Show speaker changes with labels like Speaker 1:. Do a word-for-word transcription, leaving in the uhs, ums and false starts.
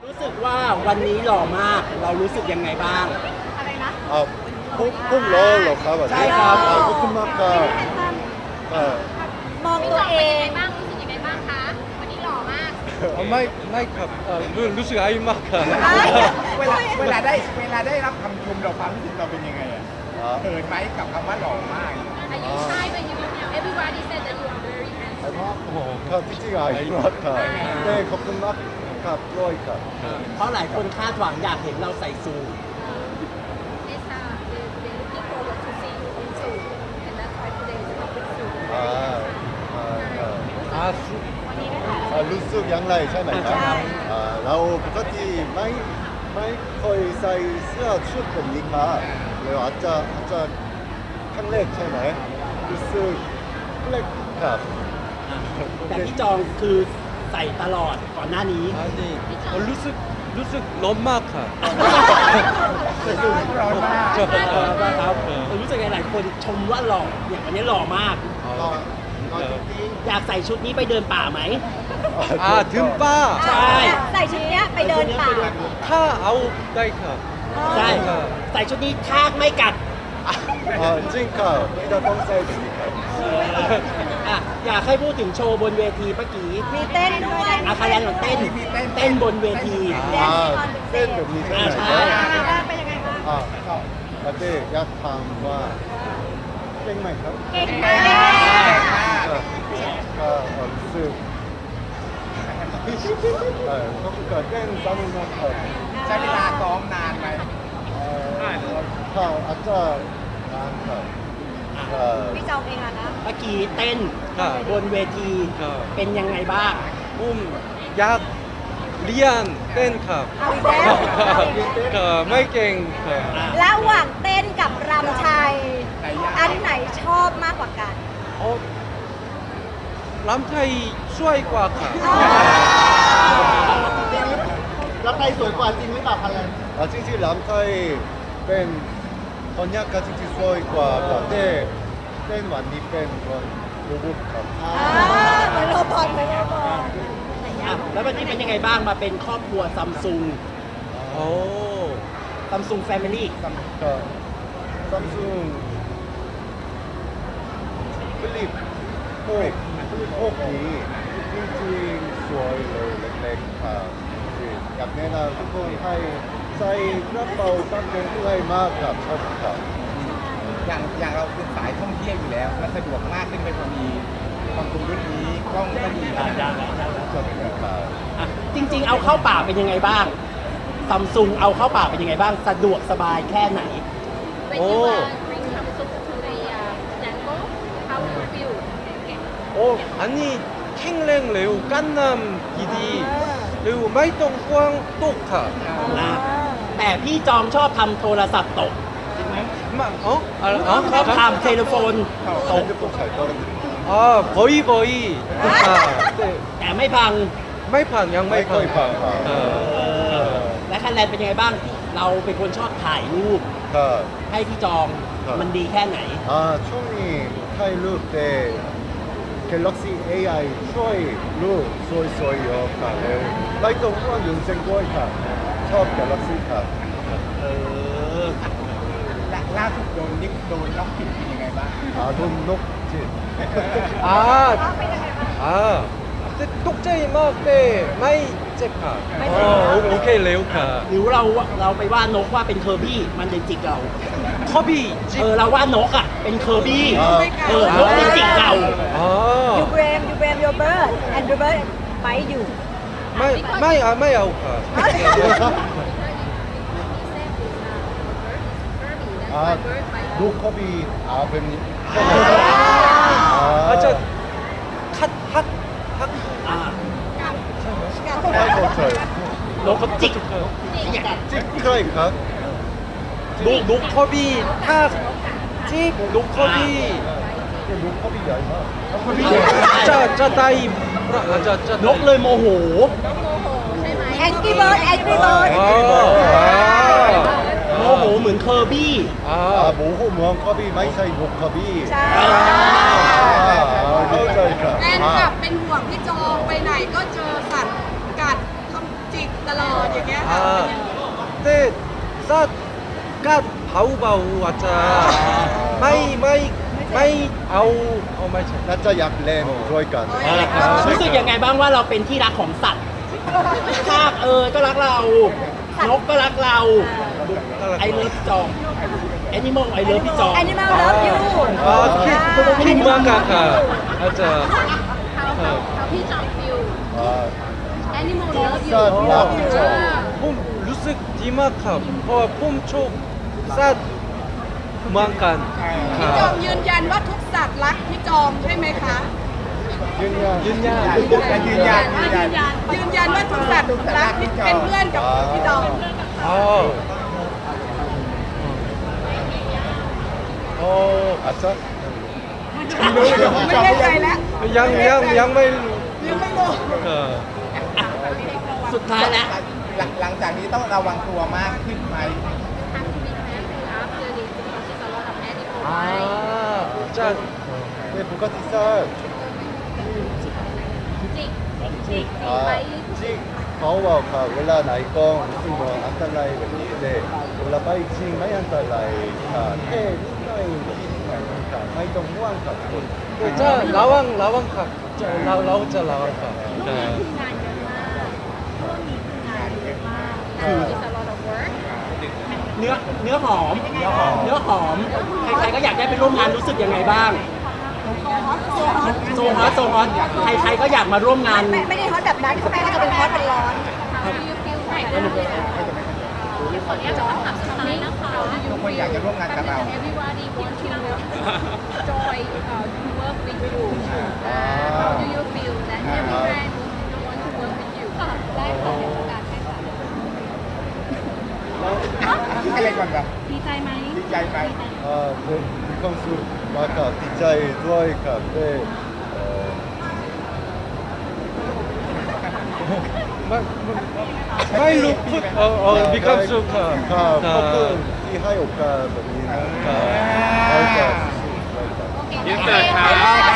Speaker 1: รู้สึกว่าวันนี้หล่อมากเรารู้สึกยังไงบ้าง
Speaker 2: อะไรนะ
Speaker 3: อ่าพุ่งพุ่งล้อเหรอครับวันนี้
Speaker 1: ใช่ครับ
Speaker 3: อ่าขอบคุณมากครับอ่าม
Speaker 2: องตัวเอง
Speaker 4: บ้างรู้สึกยังไงบ้างคะวันนี้หล่อมาก
Speaker 5: 어, 마이 마이 컵. 어, 루 루스 아이마카.
Speaker 6: เวลาเวลาได้เวลาได้รับคำชมเราความรู้สึกเราเป็นยังไงอ่ะ
Speaker 3: อ่า
Speaker 6: เขินไหมกับคำว่าหล่อมาก
Speaker 4: อายุใช่เป็นยูนิว everybody said that you are very handsome
Speaker 5: 어,
Speaker 3: ครับจริงๆอ่ะอีกรอบครับเต้ขอบคุณมากครับร้อยครับ
Speaker 1: เพราะหลายคนคาดหวังอยากเห็นเราใส่ซูท
Speaker 4: Yes, uh, they they looking forward to see you in suit and that's why today is not with suit
Speaker 3: อ่าอ่าอ่า
Speaker 5: 아, 수.
Speaker 3: อ่ารู้สึกอย่างไรใช่ไหมครับอ่าเราปกติไม่ไม่เคยใส่เสื้อชุดแบบนี้ครับแล้วอาจจะอาจจะครั้งแรกใช่ไหมรู้สึกแปลกครับ
Speaker 1: แต่พี่จองคือใส่ตลอดก่อนหน้านี้
Speaker 5: 아니, 어, 루스 루스 럼마카.
Speaker 6: ร้อนมาก
Speaker 5: 저,
Speaker 1: เออ
Speaker 5: 어,
Speaker 1: ครับ
Speaker 5: 어.
Speaker 1: รู้สึกไงหลายคนชมว่าหล่ออย่างวันนี้หล่อมาก
Speaker 3: รอ
Speaker 5: 어,
Speaker 3: รอจริง
Speaker 1: อยากใส่ชุดนี้ไปเดินป่าไหม
Speaker 3: ๆ
Speaker 5: 아, 듬바.
Speaker 1: ใช่
Speaker 2: ใส่ชุดเนี้ยไปเดินป่า
Speaker 5: 카 아웃 다이카.
Speaker 1: ใช่ใส่ชุดนี้ทากไม่กัด
Speaker 3: อ่าจริงครับไม่ต้องใส่จริงครับ
Speaker 1: อ่ะอยากให้พูดถึงโชว์บนเวทีเมื่อกี้
Speaker 2: มีเต้นด้วย
Speaker 1: อาคาแลนของเต้นเต้นบนเวที
Speaker 3: อ่าเส้นแบบนี้ใช่ไหม
Speaker 1: อ่าใช่
Speaker 3: ครับ
Speaker 2: เป็นยังไงบ้าง
Speaker 3: อ่าครับประเต้อยากถามว่าเก่งไหมครับ
Speaker 2: เก่งมาก
Speaker 3: ก็ก็รู้สึกเออก็คือเต้นสนุกมากครับ
Speaker 6: ใช้เวลาซ้อมนานไหม
Speaker 3: เอ่อค่ะอาจจะนานครับเอ่อ
Speaker 2: พี่จองเองอะนะ
Speaker 1: เมื่อกี้เต้น
Speaker 5: ค่ะ
Speaker 1: บนเวที
Speaker 5: ค่ะ
Speaker 1: เป็นยังไงบ้าง
Speaker 5: 음, 약 리안 땡카.
Speaker 2: เอาอีกแล้ว
Speaker 5: 카 마이 깽. 카.
Speaker 2: ระหว่างเต้นกับรำไทย อันไหนชอบมากกว่ากัน
Speaker 5: 어, 람타이 수아이 과 카.
Speaker 1: แล้วใครสวยกว่าจริงหรือเปล่าคะแลน
Speaker 3: อ่าจริงๆลำไทยเป็นคนยากก็จริงๆสวยกว่าแต่เต้เต้นวันนี้เป็นคนโรบอทครับ
Speaker 2: อ่าเหมือนโรบอทเหมือนโรบอท
Speaker 1: อ่ะแล้ววันนี้เป็นยังไงบ้างมาเป็นครอบครัวซัมซุง
Speaker 5: 오.
Speaker 1: ซัมซุงแฟมิลี่
Speaker 3: ก็ซัมซุงฟลิปโอ้ฟลิปโอ้นี้จริงๆสวยเลยเล็กๆครับอยากแนะนำทุกคนให้ใส่กระเป๋าตั้งเงินด้วยมากครับชอบครับ
Speaker 6: อย่างอย่างเราเป็นสายท่องเที่ยวอยู่แล้วมันสะดวกมากขึ้นไปพอมีความคุ้มรุ่นนี้กล้องก็ดีนะ
Speaker 3: ชอบครับ
Speaker 1: อ่ะจริง ๆ เอาเข้าป่าเป็นยังไงบ้างซัมซุงเอาเข้าป่าเป็นยังไงบ้างสะดวกสบายแค่ไหน
Speaker 4: when you uh, bring Samsung to the uh, jungle how you feel
Speaker 5: 어, 아니 캥랭 레오 깐남 기디 레오 마이똥 꽝 똑카.
Speaker 1: นะแต่พี่จอมชอบทำโทรศัพท์ตก
Speaker 5: 마, 어? 아,
Speaker 1: ชอบ
Speaker 5: 어?
Speaker 1: ทำเทเลโฟนตก
Speaker 3: 핸드폰 잘 떨어뜨려.
Speaker 5: 아, 버이 버이. 아, 네.
Speaker 1: แต่ไม่พัง
Speaker 5: 마이판, 양
Speaker 3: 마이판,
Speaker 5: 마이판.
Speaker 3: 아.
Speaker 1: เออและคะแนนเป็นยังไงบ้าง เราเป็นคนชอบถ่ายรูป
Speaker 3: 가
Speaker 1: ให้พี่จอง
Speaker 3: ครับ
Speaker 1: มันดีแค่ไหน
Speaker 3: 아, 총이 타이루 때 갤럭시 에이아이 트로이 루 소이 소이 요 가. 마이똥 후원 윤생 고이 가. 첫 갤럭시 가.
Speaker 1: เออ
Speaker 6: และล่าสุดโดนนิกโดนล็อกผิดเป็นยังไงบ้าง
Speaker 3: 아, 돈 녹지.
Speaker 5: 아, 아. 근데 똑제이 막 때 마이 제카. 어, 오- 오케이 레오카.
Speaker 1: หรือเราเราไปว่านกว่าเป็นเคอร์บี้มันจะจิกเรา
Speaker 5: 커비
Speaker 1: เออ
Speaker 5: 집.
Speaker 1: เราว่านกอ่ะเป็นเคอร์บี้
Speaker 3: อ่า
Speaker 1: เออนกมันจิกเรา
Speaker 2: you
Speaker 5: 아,
Speaker 2: blame you blame your bird and your bird bite you
Speaker 5: 마이 마이 아 마이 아오카.
Speaker 3: 아, 노컵이 아버님.
Speaker 5: 아, 저 핫, 핫, 핫.
Speaker 1: อ่า
Speaker 3: 아이고, 저.
Speaker 1: นกเขาจิก
Speaker 3: 찌크라이 가.
Speaker 5: 노, 노커비 탁. 찝, 노커비.
Speaker 3: 노컵이 아니라.
Speaker 5: 짜, 짜 따이. 아, 짜, 짜.
Speaker 1: นกเลยโมโห
Speaker 2: angry bird angry bird
Speaker 5: 아,
Speaker 1: โมโหเหมือนเคอร์บี้
Speaker 5: 아,
Speaker 3: 아,
Speaker 5: 아.
Speaker 3: 모호 무한 컵이 마이사이 노컵이.
Speaker 2: ใช่
Speaker 3: 아, 아, 진짜니까.
Speaker 7: แฟนคลับเป็นห่วงพี่จองไปไหนก็เจอสัตว์กัดทำจิกตลอดอย่าง
Speaker 5: ซัดกัดเผาเบาอาจจะไม่ไม่ไม่เอาเอาไม่ใช่
Speaker 3: น่าจะอยากเล่นด้วยกัน
Speaker 1: รู้สึกยังไงบ้างว่าเราเป็นที่รักของสัตว์ทากเออก็รักเรา นกก็รักเราไอเลิฟจองแอนิมอลไอเลิฟพี่จอง
Speaker 2: Animal love you
Speaker 5: 아, 키, 키마카카. 맞아.
Speaker 4: how how how พี่จอม feel
Speaker 3: อ่า
Speaker 4: animal love you
Speaker 3: สัตว์รักจอง
Speaker 5: 폼 루스 디마카. 어, 폼초 삿 망간.
Speaker 7: พี่จอมยืนยันว่าทุกสัตว์รักพี่จอมใช่ไหมคะ
Speaker 3: ยืนยัน
Speaker 5: 윤야.
Speaker 6: ยืนยันยืนยัน
Speaker 7: ยืนยันว่าทุกสัตว์รักเป็นเพื่อนกับพี่จอม
Speaker 5: 아. 어,
Speaker 3: อาจจะ
Speaker 7: ไม่แน่ใจแล้ว
Speaker 5: 양, 양, 양말.
Speaker 7: ยังไม่รู้
Speaker 5: 어.
Speaker 1: สุดท้ายแล้ว
Speaker 6: หลังหลังจากนี้ต้องระวังตัวมากขึ้นไหม
Speaker 4: have to be careful after this because there's a lot of animal right
Speaker 5: 아, 짠.
Speaker 3: ในปกติสัตว์
Speaker 4: จิกจิก
Speaker 3: อ่า
Speaker 4: ไป
Speaker 3: จริงเขาบอกค่ะเวลาไหนกล้องรู้สึกว่าอันตรายแบบนี้เลยเวลาไปจริงไม่อันตรายค่ะแค่นิดหน่อยนิดหน่อยค่ะไม่ต้องห่วงค่ะทุกคน
Speaker 5: 자, 라왕, 라왕 카. 자, 라, 라우자 라왕 카. 자.
Speaker 4: งานเยอะมากช่วงนี้คืองานเยอะมาก It's a lot of work
Speaker 1: เนื้อเนื้อหอม เนื้อหอม เนื้อหอม ใครๆก็อยากได้ไปร่วมงานรู้สึกยังไงบ้าง โซฮอตโซฮอตใครๆก็อยากมาร่วมงาน
Speaker 2: ไม่ไม่ได้ฮอตแบบนั้นข้างในก็จะเป็นฮอตเป็นร้อน
Speaker 4: How do you feel right now ขออนุญาตจะถามสุดท้ายนะคะ
Speaker 6: ทุกคนอยากจะร่วมงานกับเรา
Speaker 4: Everybody want to join uh, to work with you uh, How do you feel that every brand want to work with you ได้ค่ะในโอกาสให้ค่ะ
Speaker 6: ให้อะไรก่อนครับ
Speaker 4: ดีใจไหม
Speaker 6: ดีใจไหม
Speaker 3: อ่าผมมีความสุขมากค่ะดีใจด้วยค่ะได้เอ่อ
Speaker 5: 마, 마일로 풋, 어, 어, 비캄수 카.
Speaker 3: ค่ะขอบคุณที่ให้โอกาสแบบนี้นะคะแล้วก็สู้ๆค่ะ
Speaker 4: ยินดีค่ะ